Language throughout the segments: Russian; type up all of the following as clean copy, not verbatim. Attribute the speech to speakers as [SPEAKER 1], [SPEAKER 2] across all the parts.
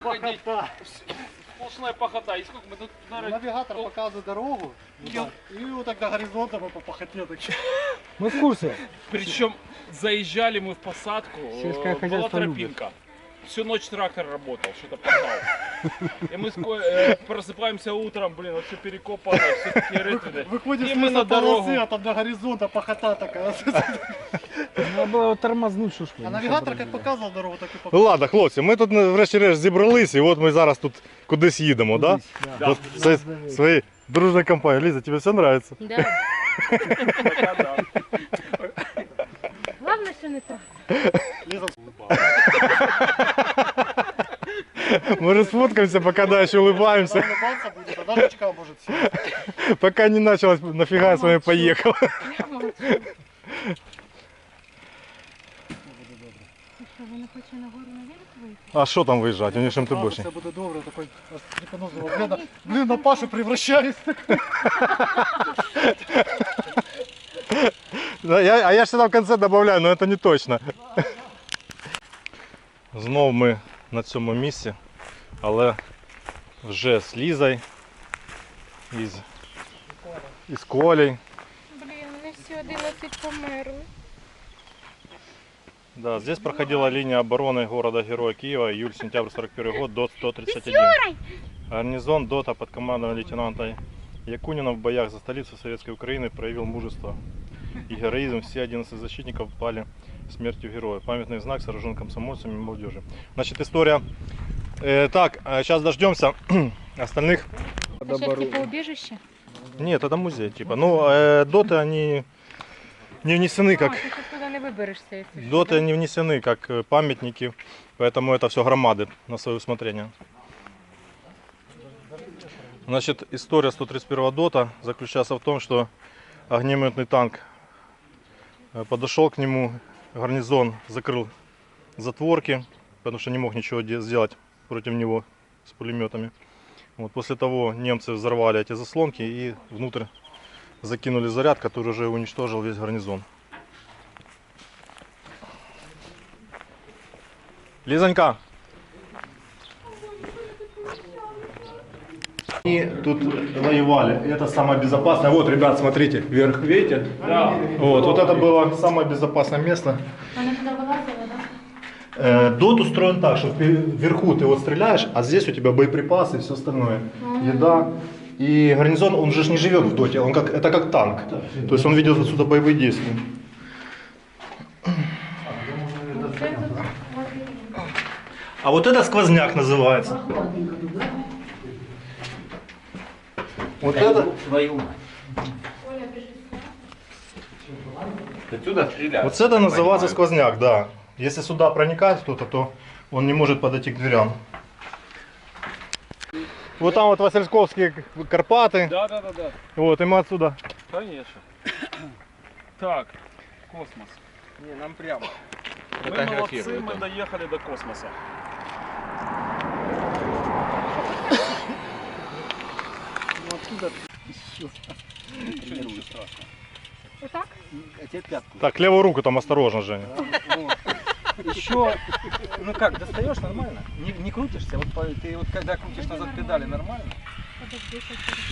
[SPEAKER 1] Пахота.
[SPEAKER 2] Сплошная пахота. И сколько мы тут, наверное...
[SPEAKER 1] Навигатор показывает дорогу. И вот так до горизонта мы по пахоте такие.
[SPEAKER 3] Мы в курсе.
[SPEAKER 2] Причем заезжали мы в посадку,
[SPEAKER 3] Сельское
[SPEAKER 2] была
[SPEAKER 3] хозяйство
[SPEAKER 2] тропинка. Всю ночь трактор работал, что-то пахал. И мы просыпаемся утром, блин, вообще перекопано, все такие рытвины.
[SPEAKER 1] Выходишь
[SPEAKER 2] И
[SPEAKER 1] с
[SPEAKER 2] мы на дорогу.
[SPEAKER 1] полосы, а там до горизонта пахота такая.
[SPEAKER 3] Надо було тормознуть, що ж ви.
[SPEAKER 1] А навігатор як показував дорогу, так і
[SPEAKER 4] Ну
[SPEAKER 1] показував.
[SPEAKER 4] ладно, хлопці, ми тут врешті-решт зібрались, і от ми зараз тут кудись їдемо, да?
[SPEAKER 2] Да.
[SPEAKER 4] От це своєї дружної компанії. Ліза, тобі все подобається?
[SPEAKER 5] Да.
[SPEAKER 2] Пока да.
[SPEAKER 5] Главное, що не так.
[SPEAKER 1] Ліза
[SPEAKER 4] Може сфоткаємося, поки да, ще улыбаємося.
[SPEAKER 1] улыбаться будет, а даже очка может сесть.
[SPEAKER 4] Поки не почалось, нафіга я з вами поїхав.
[SPEAKER 5] Що, ви не хочете на гору наверх вийти?
[SPEAKER 4] А що там виїжджати? Вони ж МТБшні.
[SPEAKER 1] Все буде добре, такой триконозовый. Блин, на Пашу превращаюсь.
[SPEAKER 4] А я ж сюди в кінці додаю, але це не точно. Знов ми на цьому місці, але вже з Лізою, із Колею.
[SPEAKER 5] Блін, вони всі 11 померли.
[SPEAKER 4] Да, здесь проходила линия обороны города-героя Киева, июль-сентябрь 41 год, ДОТ 131. Гарнизон ДОТа под командой лейтенанта Якунина в боях за столицу Советской Украины проявил мужество и героизм. Все 11 защитников пали смертью героя. Памятный знак сражен комсомольцами и молодежи. Значит, история. Так, сейчас дождемся остальных.
[SPEAKER 5] Це щось типу убіжище?
[SPEAKER 4] Нет, это музей типа. Ну, доты они не внесены как...
[SPEAKER 5] А, ти тут туди не виберешся, якщо що,
[SPEAKER 4] Доты
[SPEAKER 5] да?
[SPEAKER 4] не внесены как памятники, поэтому это все громады на свое усмотрение. Значит, история 131 дота заключается в том, что огнеметный танк подошел к нему, гарнизон закрыл затворки, потому что не мог ничего сделать против него с пулеметами. Вот, после того немцы взорвали эти заслонки и внутрь закинули заряд, который уже уничтожил весь гарнизон. Лизонька. И тут воевали. Это самое безопасное. Вот, ребят, смотрите, вверх, видите?
[SPEAKER 2] Да.
[SPEAKER 4] Вот это было самое безопасное место.
[SPEAKER 5] Вони туди вилазили, так?
[SPEAKER 4] Дот устроен так, что вверху ты вот стреляешь, а здесь у тебя боеприпасы и все остальное. Еда. И гарнизон, он же не живет в доте, он это как танк. То есть он ведет отсюда боевые действия. А вот это сквозняк называется. Вот это,
[SPEAKER 2] Отсюда стреляют.
[SPEAKER 4] вот это называется сквозняк, да. Если сюда проникает кто-то, то он не может подойти к дверям. Вот там вот Васильковские Карпаты.
[SPEAKER 2] Да.
[SPEAKER 4] Вот, и мы отсюда.
[SPEAKER 2] Конечно. Так, космос.
[SPEAKER 3] Не, нам прямо.
[SPEAKER 2] Мы молодцы, мы доехали до космоса.
[SPEAKER 5] Отак?
[SPEAKER 3] А тебе пятку.
[SPEAKER 4] Так, левую руку там осторожно, Женя.
[SPEAKER 3] Еще, ну как, достаешь нормально? Не крутишься? Вот ты вот когда крутишь назад педали, нормально?
[SPEAKER 5] Подожди,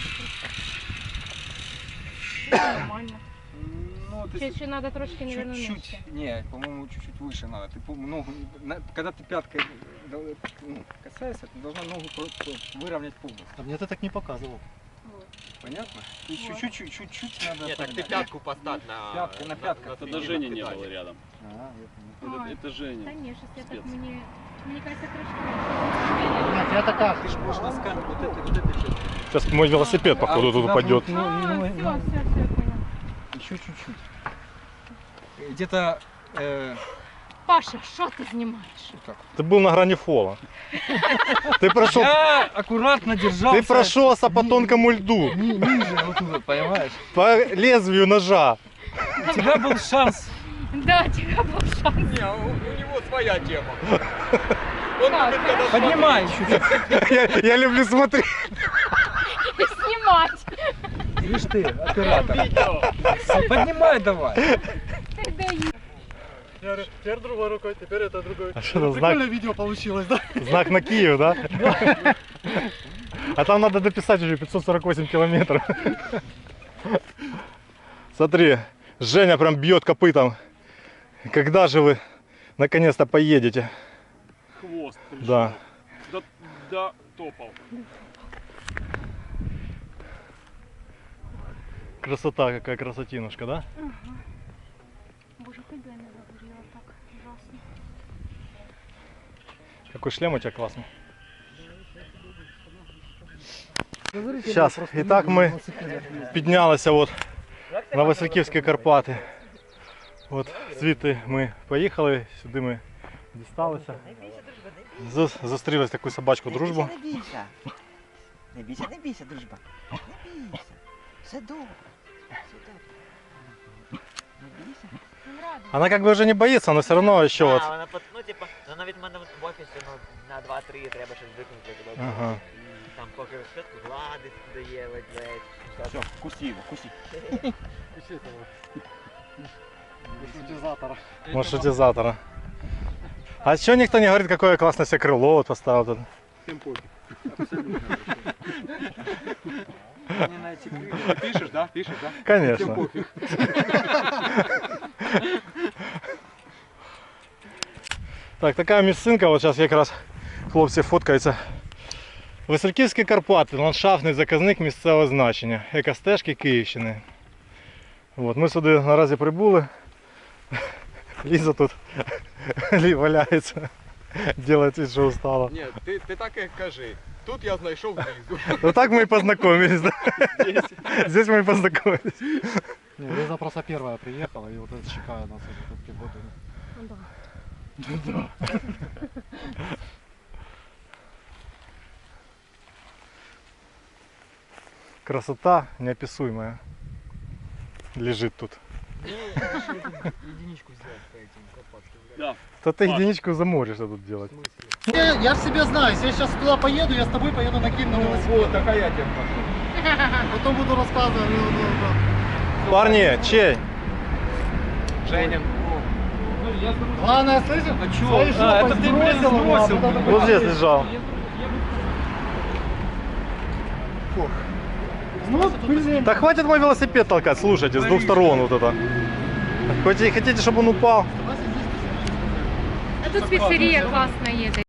[SPEAKER 5] щас. Нормально.
[SPEAKER 3] Ну, ты
[SPEAKER 5] Ще треба трошки, мабуть,
[SPEAKER 3] чуть-чуть,
[SPEAKER 5] нижче.
[SPEAKER 3] не, по-моему, чуть-чуть выше надо. Ты, ногу, когда ты пяткой касаешься, ты должна ногу просто выровнять полностью.
[SPEAKER 1] А мне ты так не показывал.
[SPEAKER 3] Понятно? И чуть-чуть надо.
[SPEAKER 6] Нет, так ты
[SPEAKER 3] поднять.
[SPEAKER 6] пятку поставь на...
[SPEAKER 3] Пятку на пятках.
[SPEAKER 2] Это до Жени не было рядом.
[SPEAKER 3] А, я понял.
[SPEAKER 2] Это Женя.
[SPEAKER 5] Та ні, щось я так
[SPEAKER 2] Спец.
[SPEAKER 5] мені кажеться, трошки.
[SPEAKER 1] Нет, я такая.
[SPEAKER 3] Ты ж можешь носками вот это сейчас.
[SPEAKER 4] Сейчас мой велосипед, походу, тут упадет.
[SPEAKER 5] Все, я поняла.
[SPEAKER 3] Еще чуть-чуть. Где-то
[SPEAKER 5] Паша, що ти знімаєш?
[SPEAKER 3] вот так.
[SPEAKER 4] Ты был на грани фола. Ты прошел,
[SPEAKER 3] Я аккуратно держался.
[SPEAKER 4] ты прошелся по тонкому льду,
[SPEAKER 3] Ниже вот тут, понимаешь?
[SPEAKER 4] по лезвию ножа.
[SPEAKER 3] У тебя был шанс.
[SPEAKER 5] Да, у тебе був шанс.
[SPEAKER 6] Не, у него своя тема.
[SPEAKER 5] Так,
[SPEAKER 3] Поднимай чуть-чуть.
[SPEAKER 4] Я люблю смотреть.
[SPEAKER 5] знімати.
[SPEAKER 3] Видишь ты, оператор. Поднимай давай.
[SPEAKER 5] Тогда
[SPEAKER 1] Я говорю, теперь другой рукой, теперь это другой.
[SPEAKER 4] А что, знак?
[SPEAKER 1] Прикольное видео получилось, да?
[SPEAKER 4] Знак на Киев, да? А там надо дописать уже 548 километров. Смотри, Женя прям бьет копытом. Когда же вы наконец-то поедете?
[SPEAKER 2] Хвост пришел.
[SPEAKER 4] Да.
[SPEAKER 2] Да, топал.
[SPEAKER 4] Красота, какая красотинушка, да?
[SPEAKER 5] Боже, хоть бы я не загорела так ужасно.
[SPEAKER 4] Какой шлем у тебя классный. Сейчас, і так ми піднялися от на Васильківські Карпати. От звідти ми поїхали, сюди ми дісталися. Зустріли таку собачку дружбу.
[SPEAKER 7] Не бійся, не бійся, не бійся, дружба. Не бійся. Все добре. Все добре. Не бійся.
[SPEAKER 4] Она как бы уже не боится, но все равно еще вот.
[SPEAKER 7] Вона, ну, типа, вона від мене в офісі, ну, на 2-3 треба щось виконати туди.
[SPEAKER 4] Ага.
[SPEAKER 7] Там поки швидко гладить дає, ледь-ледь.
[SPEAKER 6] Все, куси его, куси.
[SPEAKER 1] Маршрутизатора.
[SPEAKER 4] Маршрутизатора. А что никто не говорит, какое классное себе крыло вот поставил тут?
[SPEAKER 1] Всем пофиг.
[SPEAKER 3] Мне на эти крылья. Ты пишешь, да? Пишешь, да?
[SPEAKER 4] Конечно. Так, така місцинка, от зараз якраз хлопці фоткаються. Васильківські Карпати, ландшафтний заказник місцевого значення, екостежки Київщини. От, ми сюди наразі прибули. Ліза тут валяється, робить вид, що устала.
[SPEAKER 6] Ні, ти так і кажи. Тут я знайшов Лізу.
[SPEAKER 4] Вот так мы и познакомились, да? Здесь мы и познакомились.
[SPEAKER 1] Не, Лиза просто первая приехала, и вот это чекая нас уже тут пригодами.
[SPEAKER 4] Красота неописуемая лежит тут.
[SPEAKER 3] Единичку сделать по этим Карпатским.
[SPEAKER 4] То ты единичку заморишь, что тут делать.
[SPEAKER 1] Я в себе знаю, если я сейчас туда поеду, я с тобой поеду на Киев на велосипеде.
[SPEAKER 6] Вот, так а я тебе покажу.
[SPEAKER 1] Потом буду рассказывать.
[SPEAKER 4] Парни, чей?
[SPEAKER 6] Женя.
[SPEAKER 1] Главное, слышишь?
[SPEAKER 3] А чё?
[SPEAKER 1] Свои
[SPEAKER 3] А,
[SPEAKER 1] жопы
[SPEAKER 3] это ты, блин, сбросил,
[SPEAKER 1] вот это
[SPEAKER 4] Вот здесь лежал.
[SPEAKER 1] Ну, блин.
[SPEAKER 4] Да хватит мой велосипед толкать, слушайте, с двух сторон вот это. Хотите, чтобы он упал?
[SPEAKER 5] А тут піцерія класна є.